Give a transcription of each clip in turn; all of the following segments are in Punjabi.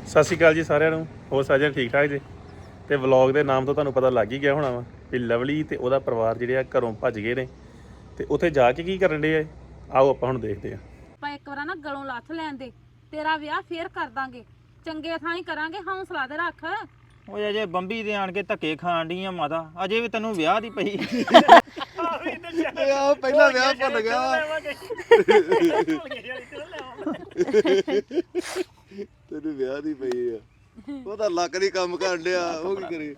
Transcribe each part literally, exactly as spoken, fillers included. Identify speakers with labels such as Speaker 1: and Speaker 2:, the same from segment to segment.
Speaker 1: ਸਤਿ ਸ਼੍ਰੀ ਅਕਾਲ ਜੀ ਸਾਰਿਆਂ ਨੂੰ। ਹੋਰ ਸਾਰਿਆਂ ਠੀਕ ਠਾਕ ਜੀ। ਤੇ ਵਲੌਗ ਦੇ ਨਾਮ ਤੋਂ ਤੁਹਾਨੂੰ ਪਤਾ ਲੱਗ ਹੀ ਗਿਆ ਹੋਣਾ ਵਾ ਵੀ ਲਵਲੀ ਤੇ ਉਹਦਾ ਪਰਿਵਾਰ ਜਿਹੜੇ ਆ ਘਰੋਂ ਭੱਜ ਗਏ ਨੇ ਤੇ ਉੱਥੇ ਜਾ ਕੇ ਕੀ ਕਰਨ ਡੇ ਆ। ਆਓ ਆਪਾਂ ਹੁਣ ਦੇਖਦੇ ਆ।
Speaker 2: ਆਪਾਂ ਇੱਕ ਵਾਰ ਨਾ ਗਲੋਂ ਲੱਥ ਲੈਣ ਦੇ, ਤੇਰਾ ਵਿਆਹ ਫੇਰ ਕਰ ਦਾਂਗੇ, ਚੰਗੇ ਥਾਂ ਹੀ ਕਰਾਂਗੇ, ਹੌਸਲਾ ਦੇ ਰੱਖ।
Speaker 3: ਓਏ ਅਜੇ ਬੰਬੀ ਦੇ ਆਣ ਕੇ ਧੱਕੇ ਖਾਣ ਡਈ ਆ ਮਾਤਾ, ਅਜੇ ਵੀ ਤੈਨੂੰ ਵਿਆਹ ਦੀ ਪਈ।
Speaker 4: ਆ ਪਹਿਲਾ ਵਿਆਹ ਭੁੱਲ ਗਿਆ ਤੈਨੂੰ ਵਿਆਹ ਦੀ ਪਈ ਆ। ਉਹ ਤਾਂ ਲੱਕ ਨਹੀਂ ਕੰਮ ਕਰਨ ਡਿਆ, ਉਹ ਕੀ ਕਰੇ।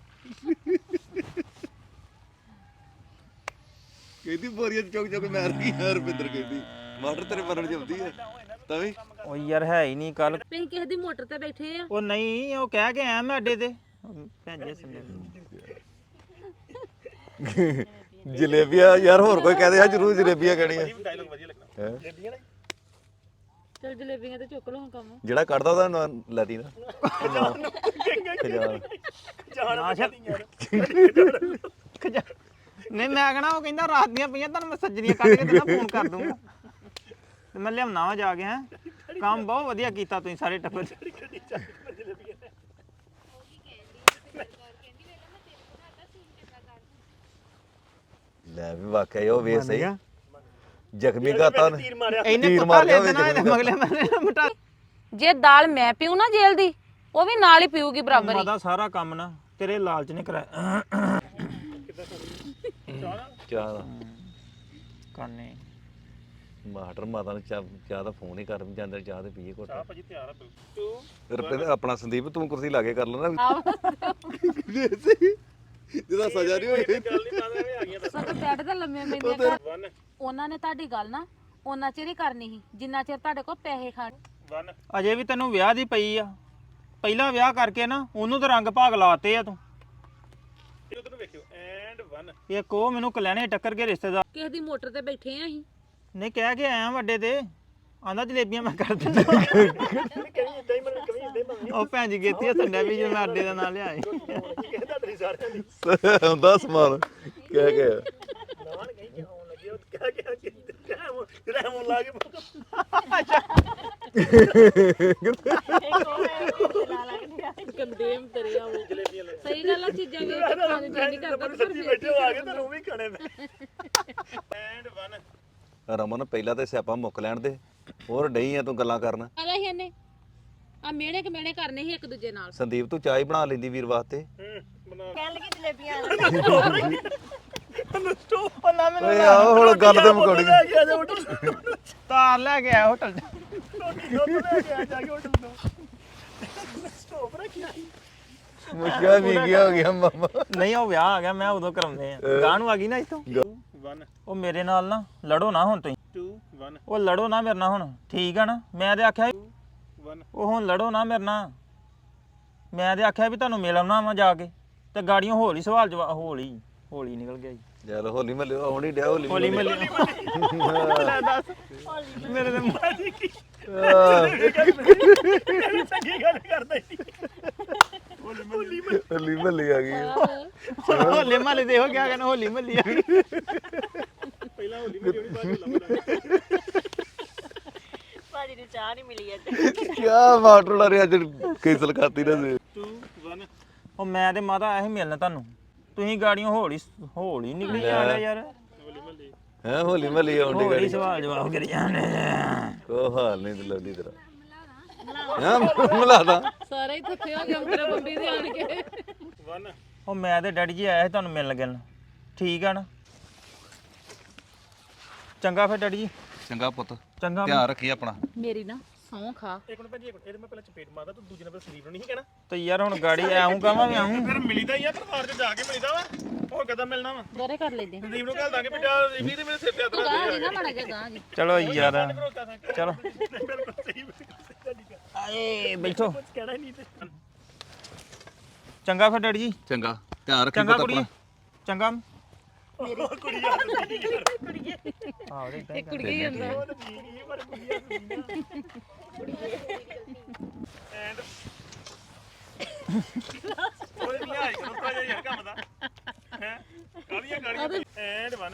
Speaker 4: ਕਹਿੰਦੀ ਬੋਰੀਆਂ ਚੁੱਕ ਚੁੱਕ ਮਾਰ ਗਈ ਯਾਰ। ਰੁਪਿੰਦਰ ਕਹਿੰਦੀ ਮਾਟਰ ਤੇਰੇ ਮਰਨ ਜਾਂਦੀ ਆ ਤਾਂ ਵੀ।
Speaker 3: ਓ ਯਾਰ ਹੈ ਹੀ ਨਹੀਂ ਕੱਲ।
Speaker 2: ਤੁਸੀਂ ਕਿਸੇ ਦੀ ਮੋਟਰ ਤੇ ਬੈਠੇ ਆ।
Speaker 3: ਉਹ ਨਹੀਂ, ਉਹ ਕਹਿ ਕੇ ਆਇਆ ਮੈਂ ਅੱਡੇ ਤੇ ਭੈਂਜੇ ਸੰਦੇ।
Speaker 4: ਜਲੇਬੀਆਂ ਯਾਰ, ਹੋਰ ਕੋਈ ਕਹਦੇ ਆ ਜ਼ਰੂਰ ਜਲੇਬੀਆਂ ਕਹਿਣੀਆਂ।
Speaker 2: ਚਲ ਜਲੇਬੀਆਂ ਤੇ ਚੁੱਕ ਲਓ ਕੰਮ।
Speaker 4: ਜਿਹੜਾ ਕੱਢਦਾ ਉਹਦਾ ਲੈਤੀ ਨਾ
Speaker 3: ਨਹੀਂ ਮੈਂ ਕਹਣਾ, ਉਹ ਕਹਿੰਦਾ ਰਾਤ ਦੀਆਂ ਪਈਆਂ, ਤੁਹਾਨੂੰ ਮੈਂ ਸੱਜਣੀਆਂ ਕੱਢ ਕੇ ਤੈਨੂੰ ਫੋਨ ਕਰ ਦੂੰਗਾ ਤੇ ਮੈਂ ਲਿਆਉਣਾ ਵਾ ਜਾ ਕੇ। ਹੈ ਕੰਮ ਬਹੁਤ ਵਧੀਆ ਕੀਤਾ ਤੁਸੀਂ ਸਾਰੇ ਟੱਬਰ।
Speaker 4: ਲੈ ਵੀ ਵਾਕਿਆ ਉਹ ਵੇ ਸਹੀ ਜ਼ਖਮੀ ਗਾਤਾ ਨੇ
Speaker 3: ਇਹਨੇ ਕੁੱਤਾ ਲੈ ਦੇਣਾ ਇਹਦੇ ਮਗਲੇ ਮੈਂ ਮਟਾ।
Speaker 2: ਜੇ ਦਾਲ ਮੈਂ ਪੀਉ ਨਾ ਜੇਲ ਦੀ, ਉਹ ਵੀ ਨਾਲ ਹੀ ਪੀਊਗੀ ਬਰਾਬਰ ਹੀ।
Speaker 3: ਮਾਦਾ ਸਾਰਾ ਕੰਮ ਨਾ ਤੇਰੇ ਲਾਲਚ ਨੇ ਕਰਾਇਆ।
Speaker 4: ਚਾਹ
Speaker 3: ਕਰਨੇ
Speaker 4: ਮਾਟਰ ਮਾਤਾ ਨੂੰ ਚਾਹ ਚਾਹ ਦਾ ਫੋਨ ਹੀ ਕਰ ਜਾਂਦੇ, ਚਾਹ ਤੇ ਪੀਏ ਕੋਟ।
Speaker 1: ਚਾਹ ਭਾਜੀ ਤਿਆਰ ਆ ਬਿਲਕੁਲ।
Speaker 4: ਰੁਪਿੰਦਰ ਆਪਣਾ ਸੰਦੀਪ ਤੂੰ ਕੁਰਸੀ ਲਾ ਕੇ ਕਰ ਲੈਣਾ ਜਿਹਦਾ ਸਜ਼ਾ ਨਹੀਂ ਹੋਈ।
Speaker 1: ਗੱਲ ਨਹੀਂ ਮਾਦਾ ਐਵੇਂ ਆ ਗਈਆਂ
Speaker 2: ਸਭ ਬੈਠ ਤੇ ਲੰਮੇ ਮੈਨੇ ਕਰ। ਉਹਨਾਂ ਨੇ ਤੁਹਾਡੀ ਗੱਲ ਨਾ ਉਹਨਾਂ ਚਿਰ ਹੀ ਕਰਨੀ ਸੀ ਜਿੰਨਾ ਚਿਰ ਤੁਹਾਡੇ ਕੋਲ ਪੈਸੇ ਖਾਣ।
Speaker 3: ਅਜੇ ਵੀ ਤੈਨੂੰ ਵਿਆਹ ਦੀ ਪਈ ਆ। ਪਹਿਲਾ ਵਿਆਹ ਕਰਕੇ ਨਾ ਉਹਨੂੰ ਤਾਂ ਰੰਗ ਭਾਗ ਲਾਤੇ ਆ ਤੂੰ।
Speaker 1: ਉਧਰ ਨੂੰ ਵੇਖਿਓ ਐਂਡ ਵਨ।
Speaker 3: ਇੱਕ ਉਹ ਮੈਨੂੰ ਕਲਿਆਣੇ ਟੱਕਰ ਕੇ ਰਿਸ਼ਤੇਦਾਰ
Speaker 2: ਕਿਸੇ ਦੀ ਮੋਟਰ ਤੇ ਬੈਠੇ ਆ ਅਸੀਂ।
Speaker 3: ਨੇ ਕਹਿ ਕੇ ਆਇਆ ਵੱਡੇ ਤੇ, ਆਂਦਾ ਜਲੇਬੀਆਂ ਮੈਂ ਕਰ ਦਿੰਦਾ। ਉਹ ਭੈਣ ਜੀ ਗੇਤੀ ਸੰਡਿਆ ਵੀ ਜੇ ਮੈਂ ਅੱਡੇ ਦਾ ਨਾਂ ਲਿਆਏ
Speaker 4: ਹੁੰਦਾ ਸਮਾਨ ਕਹਿ ਕੇ
Speaker 2: ਗੰਦੇਮ ਤੇਰੇ ਆ ਉਹ ਸਹੀ ਗੱਲ ਆ। ਚੀਜ਼ਾਂ ਵੀ ਖਾਣੇ ਦੀ ਨਹੀਂ ਕਰਦਾ ਪਰ
Speaker 1: ਬੈਠੇ ਆ ਗਏ ਤੈਨੂੰ ਵੀ ਖਾਣੇ ਨੇ। And one.
Speaker 4: ਰਮਨ ਪਹਿਲਾਂ ਤੇ ਸਿਆਪਾ ਮੁੱਕ ਲੈਣ ਦੇ, ਹੋਰ ਡਈ ਆ ਤੂੰ ਗੱਲਾਂ ਕਰਨ।
Speaker 2: ਆਦਾ ਹੀ ਇਹਨੇ ਆ ਮੇੜੇ ਕਿ ਮੇੜੇ ਕਰਨੇ ਸੀ ਇੱਕ ਦੂਜੇ ਨਾਲ।
Speaker 4: ਸੰਦੀਪ ਤੂੰ ਚਾਹ ਹੀ ਬਣਾ ਲੈਂਦੀ ਵੀਰ ਵਾਸਤੇ।
Speaker 2: ਕਹਿਣ ਲੱਗੀ ਜਲੇਬੀਆਂ
Speaker 4: ਓਏ ਆਓ ਹੁਣ ਗੱਲ ਤੇ ਮੁਕੜ ਗਈ।
Speaker 3: ਤਾਰ ਲੈ ਕੇ ਆਇਆ ਹੋਟਲ
Speaker 4: ਮੁਸ਼ਕਿਲ ਵੀ ਗਿਆ ਹੋ ਗਿਆ ਮਾਮਾ।
Speaker 3: ਨਹੀਂ ਉਹ ਵਿਆਹ ਆ ਗਿਆ, ਮੈਂ ਉਦੋਂ ਕਰਾਉਂਦੇ ਆ। ਗਾਂ ਨੂੰ ਆ ਗਈ ਨਾ ਇੱਥੋਂ।
Speaker 1: ਵਨ
Speaker 3: ਉਹ ਮੇਰੇ ਨਾਲ ਨਾ ਲੜੋ ਨਾ ਹੁਣ ਤੁਸੀਂ।
Speaker 1: ਟੂ ਵਨ
Speaker 3: ਉਹ ਲੜੋ ਨਾ ਮੇਰੇ ਨਾਲ ਹੁਣ, ਠੀਕ ਆ ਨਾ। ਮੈਂ ਤੇ ਆਖਿਆ
Speaker 1: ਵਨ।
Speaker 3: ਉਹ ਹੁਣ ਲੜੋ ਨਾ ਮੇਰੇ ਨਾਲ। ਮੈਂ ਤੇ ਆਖਿਆ ਵੀ ਤੁਹਾਨੂੰ ਮਿਲ ਆਉਣਾ ਵਾ ਜਾ ਕੇ, ਤੇ ਗਾੜੀਆਂ ਹੌਲੀ ਸਵਾਲ ਜਵਾਬ ਹੌਲੀ ਹੌਲੀ ਨਿਕਲ ਗਿਆ ਜੀ।
Speaker 4: ਯਾਰ ਹੋਲੀ ਮੱਲੇ ਆਉਣੀ ਡਿਆ ਹੋਲੀ
Speaker 3: ਹੌਲੀ ਮੱਲੀ ਲੈ ਦੱਸ ਮੇਰੇ ਤੇ ਮਾਰੀ ਕੀ ਗੱਲ ਕਰਦਾ ਹੀ।
Speaker 4: ਹੋਲੀ ਮੱਲੇ ਆ ਗਈ।
Speaker 3: ਹੋਲੇ ਮਹੱਲੇ ਦੇ ਹੋ ਗਿਆ, ਕਹਿੰਦਾ ਹੋਲੀ ਮਹੱਲੀ ਆ ਗਈ।
Speaker 1: ਪਹਿਲਾਂ ਹੋਲੀ ਮੱਲੀ ਹੋਣੀ, ਬਾਅਦ ਚ
Speaker 5: ਭਾਜੀ ਨੂੰ ਚਾਹ ਨਹੀਂ ਮਿਲੀ ਅੱਜ।
Speaker 4: ਕਿਆ ਮਾਟਰ ਲਾ ਰਿਹਾ ਅੱਜ ਕੈਂਸਲ ਕਰਤੀ ਨਾ।
Speaker 1: Two one.
Speaker 3: ਉਹ ਮੈਂ ਤੇ ਮਾਤਾ ਇਹੀ ਮਿਲਣਾ ਤੁਹਾਨੂੰ, ਤੁਸੀਂ ਗਾੜੀਆਂ ਹੌਲੀ ਹੌਲੀ ਨਿਕਲੀ ਜਾਂਦੇ ਯਾਰ।
Speaker 4: ਹੈ ਹੋਲੀ ਮੱਲੇ ਆਉਣੀ
Speaker 3: ਹੌਲੀ
Speaker 4: ਗਾੜੀ।
Speaker 3: ਸਵਾਲ ਜਵਾਬ ਕਰੀ ਜਾਂਦੇ।
Speaker 4: ਉਹ ਹਾਲ ਨਹੀਂ ਲੱਗਦੀ ਤੇਰਾ। ਹਾਂ ਮਿਲਾਦਾ
Speaker 2: ਸਾਰੇ ਹੀ ਥੱਕੇ ਹੋ ਗਏ ਮੇਰੇ ਬੰਬੀ ਦੇ ਆਣ ਕੇ।
Speaker 1: ਵਨ।
Speaker 3: ਉਹ ਮੈਂ ਤੇ ਡੈਡੀ ਜੀ ਆਇਆ ਸੀ ਤੁਹਾਨੂੰ ਮਿਲਣ ਲੱਗਣ, ਠੀਕ ਆ ਨਾ। ਚੰਗਾ ਫਿਰ ਡੈਡੀ ਜੀ।
Speaker 4: ਚੰਗਾ ਪੁੱਤ,
Speaker 3: ਚੰਗਾ।
Speaker 4: ਧਿਆਨ ਰੱਖੀ ਆਪਣਾ।
Speaker 2: ਮੇਰੀ ਨਾ ਸੌਂ ਖਾ।
Speaker 1: ਇੱਕ ਮਿੰਟ ਭਾਜੀ, ਇੱਕ ਮਿੰਟ। ਇਹਦੇ ਮੈਂ ਪਹਿਲਾਂ ਚਪੇਟ ਮਾਰਦਾ, ਤੂੰ ਦੂਜੇ ਨੰਬਰ ਸੰਦੀਪ ਨੂੰ ਨਹੀਂ ਕਹਿਣਾ।
Speaker 3: ਤੇ ਯਾਰ ਹੁਣ ਗਾੜੀ ਆਉਂ ਕਹਾਂ ਵੀ ਆਉਂ।
Speaker 1: ਫਿਰ ਮਿਲੀਦਾ ਹੀ ਆ, ਪਰਿਵਾਰ ਚ ਜਾ ਕੇ ਮਿਲੀਦਾ ਵਾ। ਹੋਰ ਕਦਾਂ ਮਿਲਣਾ ਵਾ।
Speaker 2: ਦੋਰੇ ਕਰ ਲੈਂਦੇ
Speaker 1: ਸੰਦੀਪ ਨੂੰ ਕਹਿ ਦਾਂਗੇ ਬੇਟਾ ਇਵੀ ਤੇ ਮੇਰੇ ਸਿਰ ਤੇ ਹੱਥ
Speaker 2: ਤੂੰ
Speaker 1: ਰੱਖ
Speaker 2: ਗਾਂ ਜੀ ਨਾ ਮਾੜਾ ਜਿਹਾ ਗਾਂ ਜੀ।
Speaker 3: ਚਲੋ ਯਾਰ ਚਲੋ
Speaker 1: ਬਿਲਕੁਲ ਸਹੀ।
Speaker 3: ਆਏ ਬੈਠੋ।
Speaker 1: ਕਹਿਣਾ ਹੀ ਨਹੀਂ ਤੇ।
Speaker 3: ਚੰਗਾ ਫਿਰ ਡੈਡੀ ਜੀ।
Speaker 4: ਚੰਗਾ ਧਿਆਨ ਰੱਖੀ
Speaker 3: ਚੰਗਾ
Speaker 4: ਪੁੱਤ
Speaker 3: ਕੁੜੀ,
Speaker 4: ਆਪਣਾ।
Speaker 3: ਚੰਗਾ।
Speaker 1: ਕੁੜੀ ਆ
Speaker 3: ਆਹ ਰੇ
Speaker 2: ਇਹ ਕੁੜੀ ਹੀ ਹੁੰਦਾ।
Speaker 1: ਐਂਡ ਉਹ ਨਹੀਂ ਆਈ ਕਰਦਾ ਯਾਰ ਕੰਮ ਦਾ ਹੈ। ਕਾਲੀਆਂ ਕਾਲੀਆਂ ਐਂਡ ਵਨ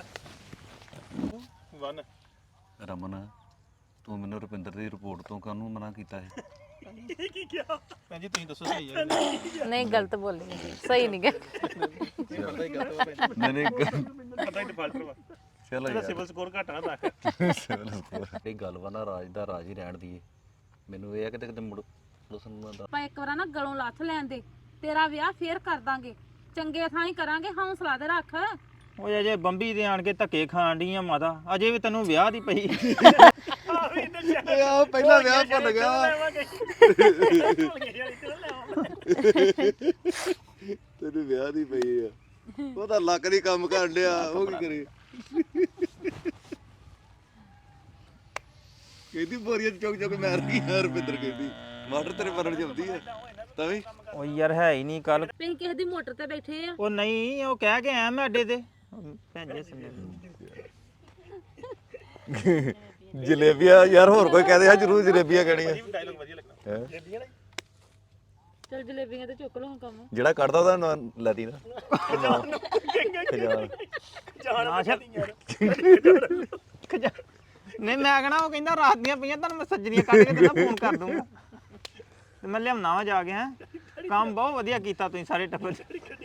Speaker 1: ਵਨ।
Speaker 4: ਰਮਨ ਤੂੰ ਮੈਨੂੰ ਰੁਪਿੰਦਰ ਦੀ ਰਿਪੋਰਟ ਤੋਂ ਕਾਹਨੂੰ ਮਨਾ ਕੀਤਾ ਹੈ?
Speaker 1: ਕੀ ਕਿਹਾ
Speaker 3: ਭੈਣ ਜੀ ਤੁਸੀਂ ਦੱਸੋ ਸਹੀ ਹੈ
Speaker 2: ਨਹੀਂ ਗਲਤ ਬੋਲੀ ਸਹੀ ਨਹੀਂ ਗਾ
Speaker 4: ਨਹੀਂ ਨਹੀਂ
Speaker 1: ਪਤਾ ਹੀ ਡਿਫਾਲਟਰ ਵਾ
Speaker 4: ਚਲੋ
Speaker 1: ਇਹਦਾ
Speaker 4: ਯਾਰ
Speaker 1: ਸਿਵਲ ਸਕੋਰ ਘੱਟ ਨਾ ਤਾਂ
Speaker 4: ਸਿਵਲ ਸਕੋਰ ਇਹ ਗੱਲ ਵਾ ਨਾ ਰਾਜ ਦਾ ਰਾਜ ਹੀ ਰਹਿਣ ਦੀ ਮੈਨੂੰ ਇਹ ਆ ਕਿਤੇ ਕਿਤੇ ਮੁੜ ਲਸਨ ਦਾ
Speaker 2: ਆਪਾਂ ਇੱਕ ਵਾਰ ਨਾ ਗਲੋਂ ਲੱਥ ਲੈਣ ਦੇ ਤੇਰਾ ਵਿਆਹ ਫੇਰ ਕਰ ਦਾਂਗੇ ਚੰਗੇ ਥਾਂ ਹੀ ਕਰਾਂਗੇ ਹੌਸਲਾ ਤੇ ਰੱਖ
Speaker 3: ਓਏ ਅਜੇ ਬੰਬੀ ਦੇ ਆਣ ਕੇ ਧੱਕੇ ਖਾਣ ਡਈ ਆ ਮਾਤਾ ਅਜੇ ਵੀ ਤੈਨੂੰ ਵਿਆਹ ਦੀ ਪਈ
Speaker 4: ਆ ਪਹਿਲਾ ਵਿਆਹ ਭੁੱਲ ਗਿਆ ਤੈਨੂੰ ਵਿਆਹ ਦੀ ਪਈ ਆ ਉਹ ਤਾਂ ਲੱਕ ਦੀ ਕੰਮ ਕਰਨ ਡਿਆ ਉਹ ਕੀ ਕਰੇ ਕਹਿੰਦੀ ਬੋਰੀਆਂ ਚੁੱਕ ਚੁੱਕ ਮਾਰ ਗਈ ਯਾਰ ਰੁਪਿੰਦਰ ਕਹਿੰਦੀ ਮਾਟਰ ਤੇਰੇ ਮਰਨ ਜਾਂਦੀ ਆ ਤਾਂ ਵੀ
Speaker 3: ਓ ਯਾਰ ਹੈ ਹੀ ਨਹੀਂ ਕੱਲ
Speaker 2: ਤੁਸੀਂ ਕਿਸੇ ਦੀ ਮੋਟਰ ਤੇ ਬੈਠੇ ਆ
Speaker 3: ਉਹ ਨਹੀਂ ਉਹ ਕਹਿ ਕੇ ਆਇਆ ਮੈਂ ਅੱਡੇ ਤੇ ਭੈਣ ਜੀ ਸੁਣਿਆ
Speaker 4: ਜਲੇਬੀਆਂ ਯਾਰ ਹੋਰ ਕੋਈ ਕਹਦੇ ਆ ਜਰੂਰ ਜਲੇਬੀਆਂ ਕਹਿਣੀਆਂ
Speaker 1: ਡਾਇਲੌਗ ਵਧੀਆ ਲੱਗਣਾ
Speaker 4: ਹੈਂ?
Speaker 1: ਜਲੇਬੀਆਂ ਨੇ
Speaker 2: ਚਲ ਜਲੇਬੀਆਂ ਤੇ ਚੁੱਕ ਲਓ ਕੰਮ
Speaker 4: ਜਿਹੜਾ ਕੱਢਦਾ ਉਹਦਾ ਨਾਂ ਲੈਤੀ ਨਾ ਖਜਾਨ
Speaker 3: ਨਾ ਛੱਡ ਨਹੀਂ ਮੈਂ ਕਹਣਾ ਉਹ ਕਹਿੰਦਾ ਰਾਤ ਦੀਆਂ ਪਈਆਂ ਤੁਹਾਨੂੰ ਮੈਂ ਸੱਜਣੀਆਂ ਕੱਢ ਕੇ ਤੈਨੂੰ ਫੋਨ ਕਰ ਦੂੰਗਾ ਤੇ ਮੈਂ ਲਿਆਉਣਾ ਵਾ ਜਾ ਕੇ ਹੈ ਕੰਮ ਬਹੁਤ ਵਧੀਆ ਕੀਤਾ ਤੁਸੀਂ ਸਾਰੇ ਟੱਬਰ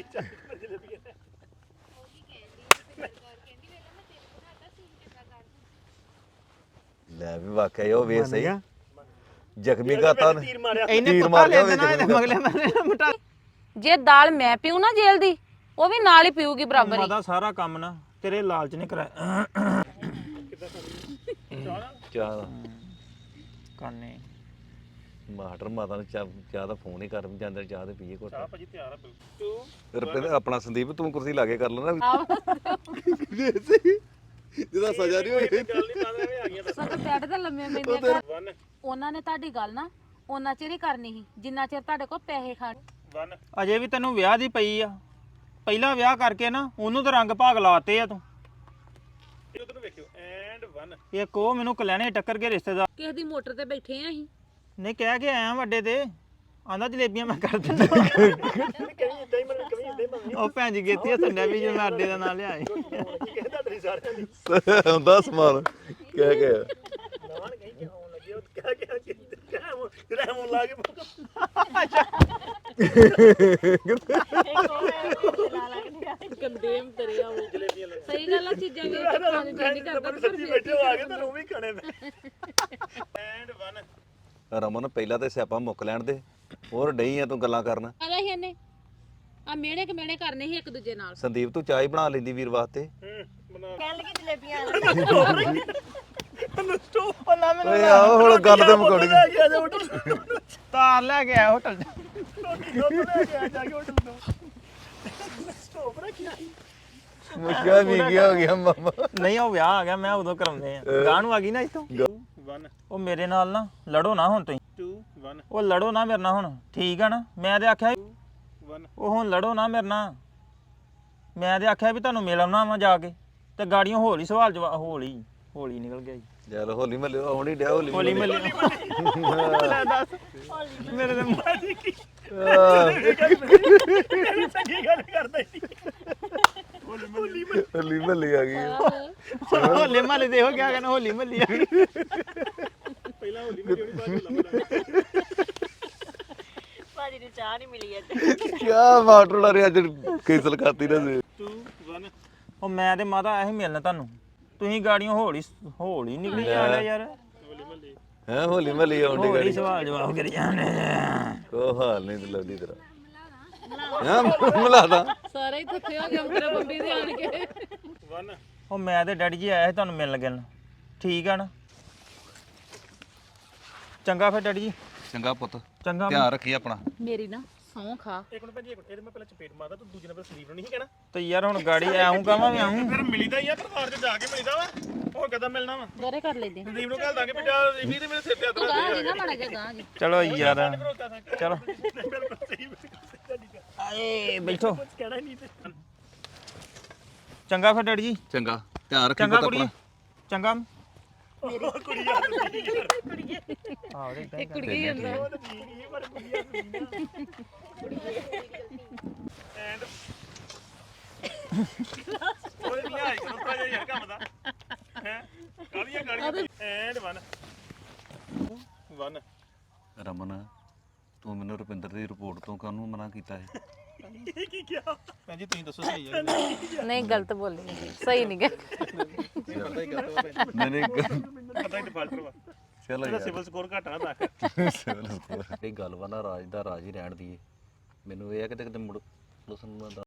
Speaker 4: ਲੈ ਵੀ ਵਾਕਿਆ ਉਹ ਵੇ ਸਹੀ ਜ਼ਖਮੀ ਗਾਤਾ ਨੇ
Speaker 1: ਤੀਰ ਮਾਰਿਆ
Speaker 3: ਇਹਨੇ
Speaker 4: ਤੀਰ
Speaker 3: ਪੱਕਾ
Speaker 4: ਮਾਰ ਲਿਆ
Speaker 3: ਲੈ ਦੇਣਾ ਇਹਦੇ ਮਗਲੇ ਮੈਂ ਮਟਾ
Speaker 2: ਜੇ ਦਾਲ ਮੈਂ ਪੀਉ ਨਾ ਜੇਲ੍ਹ ਦੀ ਉਹ ਵੀ ਨਾਲ ਹੀ ਪੀਊਗੀ ਬਰਾਬਰ ਹੀ
Speaker 3: ਮਾਦਾ ਸਾਰਾ ਕੰਮ ਨਾ ਤੇਰੇ ਲਾਲਚ ਨੇ ਕਰਾਇਆ
Speaker 4: ਚਾਹ ਦਾ
Speaker 3: ਕਾਨੇ
Speaker 4: ਮਾਟਰ ਮਾਤਾ ਨੂੰ ਚਾਹ ਚਾਹ ਦਾ ਫੋਨ ਹੀ ਕਰ ਜਾਂਦੇ ਚਾਹ ਤੇ ਪੀਏ ਕੋਟ
Speaker 1: ਭਾਜੀ ਤਿਆਰ ਆ ਬਿਲਕੁਲ
Speaker 4: ਰੁਪਏ ਆਪਣਾ ਸੰਦੀਪ ਤੂੰ ਕੁਰਸੀ ਲਾ ਕੇ ਕਰ ਲੈਣਾ
Speaker 2: ਆਹੋ
Speaker 4: ਜਿਹਦਾ ਸਜ਼ਾ ਨਹੀਂ ਹੋਈ
Speaker 1: ਗੱਲ ਨਹੀਂ ਤਾਂ ਐਵੇਂ ਆ ਗਈਆਂ
Speaker 2: ਸਗੋਂ ਬੈੱਡ ਤੇ ਲੰਮੇ ਪੈਂਦੇ ਆ ਉਹਨਾਂ ਨੇ ਤੁਹਾਡੀ ਗੱਲ ਨਾ ਉਹਨਾਂ ਚਿਰ ਹੀ ਕਰਨੀ ਸੀ ਜਿੰਨਾ ਚਿਰ ਤੁਹਾਡੇ ਕੋਲ ਪੈਸੇ ਖਾਣ
Speaker 1: ਵਨ
Speaker 3: ਅਜੇ ਵੀ ਤੈਨੂੰ ਵਿਆਹ ਦੀ ਪਈ ਆ ਪਹਿਲਾ ਵਿਆਹ ਕਰਕੇ ਨਾ ਉਹਨੂੰ ਤਾਂ ਰੰਗ ਭਾਗ ਲਾਤੇ ਆ ਤੂੰ
Speaker 1: ਇਹ ਉਧਰ ਨੂੰ ਵੇਖਿਓ ਐਂਡ ਵਨ
Speaker 3: ਇੱਕ ਉਹ ਮੈਨੂੰ ਕਲਿਆਣੇ ਟੱਕਰ ਕੇ ਰਿਸ਼ਤੇਦਾਰ
Speaker 2: ਕਿਸੇ ਦੀ ਮੋਟਰ ਤੇ ਬੈਠੇ ਆ ਅਸੀਂ
Speaker 3: ਨਹੀਂ ਕਹਿ ਕੇ ਆਇਆ ਵੱਡੇ ਤੇ ਆਂਦਾ ਜਲੇਬੀਆਂ ਮੈਂ ਕਰ ਦਿੰਦਾ
Speaker 1: ਕਵੀ ਇਦਾਂ ਹੀ ਮਨ ਕਵੀ ਇਦਾਂ ਹੀ ਮੰਮੀ
Speaker 3: ਉਹ ਭੈਣ ਜੀ ਗੇਤੀ ਸੰਡਿਆ ਵੀ ਜੇ ਮੈਂ ਅੱਡੇ ਦਾ ਨਾਂ ਲਿਆਏ
Speaker 1: ਕੀ ਕਹਿੰਦਾ ਤੇਰੀ ਸਾਰਿਆਂ ਦੀ
Speaker 4: ਹੁੰਦਾ ਸਮਾਨ ਕਹਿ ਕੇ
Speaker 1: ਨਾਨ ਕਹੀ ਕਿ ਹੋਣ ਲੱਗੇ ਉਹ ਕਹਿ ਕੇ ਕਿ ਕਿਹੜਾ ਮੂੰਹ ਲਾ ਕੇ
Speaker 2: ਕੰਦੇਮ ਤੇਰੇ ਉਹ
Speaker 1: ਜਲੇਬੀਆਂ ਲੈ
Speaker 2: ਸਹੀ ਗੱਲ ਆ ਚੀਜ਼ਾਂ ਵੇਚ ਕੇ ਖਾਣ ਦੀ ਦਿਲ ਨਹੀਂ ਕਰਦਾ ਪਰ
Speaker 1: ਸੱਚੀ ਬੈਠੇ ਹੋ ਆ ਗਏ ਤੈਨੂੰ ਵੀ ਖਾਣੇ ਮੈਂ ਐਂਡ ਵਨ
Speaker 4: ਰਮਨ ਪਹਿਲਾਂ ਤੇ ਸਿਆਪਾ ਮੁੱਕ ਲੈਣ ਦੇ ਹੋਰ ਡਈ ਆ ਤੂੰ ਗੱਲਾਂ ਕਰਨ
Speaker 2: ਆਦਾ ਹੀ ਇਹਨੇ ਆ ਮੇੜੇ ਕ ਮੇੜੇ ਕਰਨੇ ਸੀ ਇੱਕ ਦੂਜੇ ਨਾਲ
Speaker 4: ਸੰਦੀਪ ਤੂੰ ਚਾਹ ਹੀ ਬਣਾ ਲੈਂਦੀ ਵੀਰ ਵਾਸਤੇ
Speaker 1: ਹੂੰ ਬਣਾ
Speaker 5: ਕਹਿਣ ਲੱਗੀ ਜਲੇਬੀਆਂ
Speaker 3: ਉਹ ਨਾ ਮੈਨੂੰ
Speaker 4: ਓਏ ਆਓ ਹੁਣ ਗੱਲ ਤੇ ਮੁਕਾਉਣੀ
Speaker 1: ਲੈ ਗਿਆ ਜਾ ਹੋਟਲ
Speaker 3: ਤਾਰ ਲੈ ਕੇ ਆਇਆ ਹੋਟਲ
Speaker 1: ਰੋਟੀ ਦੁੱਧ ਲੈ ਕੇ ਆ ਜਾ ਕੇ ਹੋਟਲ ਤੋਂ ਸਟੋਪ ਰੱਖਿਆ
Speaker 4: ਮੁਸ਼ਕਲ ਵੀ ਗਿਆ ਹੋ ਗਿਆ ਮਾਮਾ
Speaker 3: ਨਹੀਂ ਉਹ ਵਿਆਹ ਆ ਗਿਆ ਮੈਂ ਉਦੋਂ ਕਰਾਉਂਦੇ ਆ ਗਾਂ ਨੂੰ ਆ ਗਈ ਨਾ ਇੱਥੋਂ
Speaker 1: ਵਨ
Speaker 3: ਉਹ ਮੇਰੇ ਨਾਲ ਨਾ ਲੜੋ ਨਾ ਹੁਣ ਤੁਸੀਂ
Speaker 1: ਟੂ ਵਨ
Speaker 3: ਉਹ ਲੜੋ ਨਾ ਮੇਰੇ ਨਾਲ ਹੁਣ ਠੀਕ ਆ ਨਾ ਮੈਂ ਤੇ ਆਖਿਆ ਸੀ,
Speaker 1: ਵਨ
Speaker 3: ਉਹ ਹੁਣ ਲੜੋ ਨਾ ਮੇਰੇ ਨਾਲ ਮੈਂ ਤੇ ਆਖਿਆ ਵੀ ਤੁਹਾਨੂੰ ਮਿਲ ਆਉਣਾ ਵਾ ਜਾ ਕੇ ਤੇ ਗਾੜੀਆਂ ਹੌਲੀ ਸਵਾਲ ਜਵਾ ਹੌਲੀ ਹੌਲੀ ਨਿਕਲ ਗਿਆ ਜੀ
Speaker 4: ਚੱਲ ਹੋਲੀ ਮੱਲੇ ਆਉਣੀ ਡਿਆ ਹੋਲੀ
Speaker 3: ਹੌਲੀ ਮਿਲ ਲੈ ਦੱਸ ਮੇਰੇ ਤੇ ਮੂੰਹ-
Speaker 1: ਚੰਗੀ ਗੱਲ ਕਰਦਾ ਸੀ ਹੋਲੀ
Speaker 4: ਹੋਲੀ ਮੱਲੇ ਆ ਗਈ
Speaker 3: ਹੋਲੇ ਮਹੱਲੇ ਦੇ ਹੋ ਗਿਆ ਕਹਿੰਦਾ ਹੋਲੀ ਮਹੱਲੀ ਆ ਗਈ
Speaker 1: ਪਹਿਲਾਂ ਹੋਲੀ ਮੇਰੀ ਹੋਣੀ ਬਾਅਦ ਲੱਭਦਾ
Speaker 5: ਭਾਜੀ ਨੂੰ ਚਾਹ ਨਹੀਂ ਮਿਲੀ ਅੱਜ
Speaker 4: ਕਿਆ ਮਾਟਰ ਰੇ ਅੱਜ ਕੈਸਲ ਕਰਤੀ ਨਾ ਸੀ
Speaker 1: ਟੂ ਵਨ
Speaker 3: ਉਹ ਮੈਂ ਤੇ ਮਾਤਾ ਐਵੇਂ ਮਿਲਣਾ ਤੁਹਾਨੂੰ ਤੁਸੀਂ ਗਾੜੀਆਂ ਹੌਲੀ ਹੌਲੀ ਨਿਕਲੀ ਜਾਂਦੇ ਯਾਰ
Speaker 1: ਹੋਲੀ ਮੱਲੇ
Speaker 4: ਹੈ ਹੋਲੀ ਮੱਲੇ ਆਉਂਦੀ
Speaker 3: ਹੌਲੀ
Speaker 4: ਗਾੜੀ
Speaker 3: ਸਵਾਲ ਜਵਾਬ ਕਰੀ ਜਾਂਦੇ
Speaker 4: ਕੋ ਹਾਲ ਨਹੀਂ ਤੇ ਲੱਗਦੀ ਤੇਰਾ ਹਾਂ ਮਿਲਾਦਾ
Speaker 2: ਸਾਰੇ ਹੀ ਥੱਕੇ ਹੋ ਗਏ ਮੇਰੇ ਬੰਬੀ ਦੇ ਆਣ ਕੇ
Speaker 1: ਵਨ
Speaker 3: ਉਹ ਮੈਂ ਤੇ ਡੈਡੀ ਜੀ ਆਇਆ ਸੀ ਤੁਹਾਨੂੰ ਮਿਲਣ ਲੱਗਣ ਠੀਕ ਆ ਨਾ ਚੰਗਾ ਫਿਰ ਡੈਡੀ ਜੀ
Speaker 4: ਚੰਗਾ ਪੁੱਤ
Speaker 3: ਚੰਗਾ
Speaker 4: ਧਿਆਨ ਰੱਖੀ ਆਪਣਾ
Speaker 2: ਮੇਰੀ ਨਾ ਸੌਂ ਖਾ
Speaker 1: ਇੱਕ ਮਿੰਟ ਭਾਜੀ ਇੱਕ ਮਿੰਟ ਇਹਦੇ ਮੈਂ ਪਹਿਲਾਂ ਚਪੇਟ ਮਾਰਦਾ ਤੂੰ ਦੂਜੇ ਨੰਬਰ ਸੰਦੀਪ ਨੂੰ ਨਹੀਂ ਕਹਿਣਾ
Speaker 3: ਤੇ ਯਾਰ ਹੁਣ ਗਾੜੀ ਆਉਂ ਕਹਾਂ ਮੈਂ ਆਉਂ
Speaker 1: ਫਿਰ ਮਿਲੀਦਾ ਹੀ ਆ ਪਰਿਵਾਰ 'ਚ ਜਾ ਕੇ ਮਿਲੀਦਾ ਵਾ ਹੋਰ ਕਦਾਂ ਮਿਲਣਾ ਵਾ
Speaker 2: ਗਰੇ ਕਰ ਲੈਂਦੇ
Speaker 1: ਸੰਦੀਪ ਨੂੰ ਘੱਲ ਦਾਂਗੇ ਵੀ ਜਾ ਰਿਵੀ ਤੇ ਮੇਰੇ ਸਿਰ ਤੇ ਹੱਥ ਰੱਖ
Speaker 2: ਗਾਂ ਨਾ ਮਾੜਾ ਜਿਹਾ ਗਾਂ ਜੀ
Speaker 3: ਚਲੋ ਯਾਰ ਚਲੋ
Speaker 1: ਬਿਲਕੁਲ ਸਹੀ ਬਿਲਕੁਲ
Speaker 3: ਆਏ ਬੈਠੋ
Speaker 1: ਕਹਿਣਾ ਹੀ ਨਹੀਂ ਤੇ
Speaker 3: ਚੰਗਾ ਫਿਰ ਡੈਡੀ ਜੀ
Speaker 4: ਚੰਗਾ ਧਿਆਨ ਰੱਖੀ
Speaker 3: ਚੰਗਾ
Speaker 4: ਪੁੱਤ
Speaker 3: ਕੁੜੀ
Speaker 4: ਆਪਣਾ
Speaker 3: ਚੰਗਾ
Speaker 1: ਕੁੜੀ ਆ ਕੁੜੀ
Speaker 3: ਆਹ ਰੇ
Speaker 2: ਇੱਕ ਕੁੜੀ ਜਾਂਦਾ
Speaker 1: ਉਹ ਤਾਂ ਠੀਕ ਹੀ ਪਰ ਕੁੜੀ ਆ ਐਂਡ ਉਹ ਨਹੀਂ ਆਈ ਕਰੋ ਪਾ ਯਾਰ ਕੰਮ ਦਾ ਹੈ ਕਾਲੀਆਂ ਕਾਲੀਆਂ ਐਂਡ ਵਨ ਵਨ
Speaker 4: ਰਮਨ ਤੂੰ ਮੈਨੂੰ ਰੁਪਿੰਦਰ ਦੀ ਰਿਪੋਰਟ ਤੋਂ ਕਾਹਨੂੰ ਮਨਾ ਕੀਤਾ ਹੈ
Speaker 3: ਭੈਣ ਜੀ ਤੁਸੀਂ ਦੱਸੋ ਸਹੀ ਹੈ
Speaker 2: ਨਹੀਂ ਗਲਤ ਬੋਲੀ ਸਹੀ ਨਹੀਂ ਗਾ
Speaker 4: ਨਹੀਂ ਨਹੀਂ
Speaker 1: ਪਤਾ ਹੀ ਡਿਫਾਲਟਰ ਵਾ
Speaker 4: ਚਲੋ
Speaker 1: ਇਹਦਾ
Speaker 4: ਯਾਰ
Speaker 1: ਸਿਵਲ ਸਕੋਰ ਘਟਾ ਨਾ ਦੱਸ
Speaker 4: ਚਲੋ ਇਹ ਗੱਲ ਵਾ ਨਾ ਰਾਜ ਦਾ ਰਾਜ ਹੀ ਰਹਿਣ ਦੀ ਮੈਨੂੰ ਇਹ ਹੈ ਕਿ ਕਿਤੇ ਮੁੜ ਲਸਨ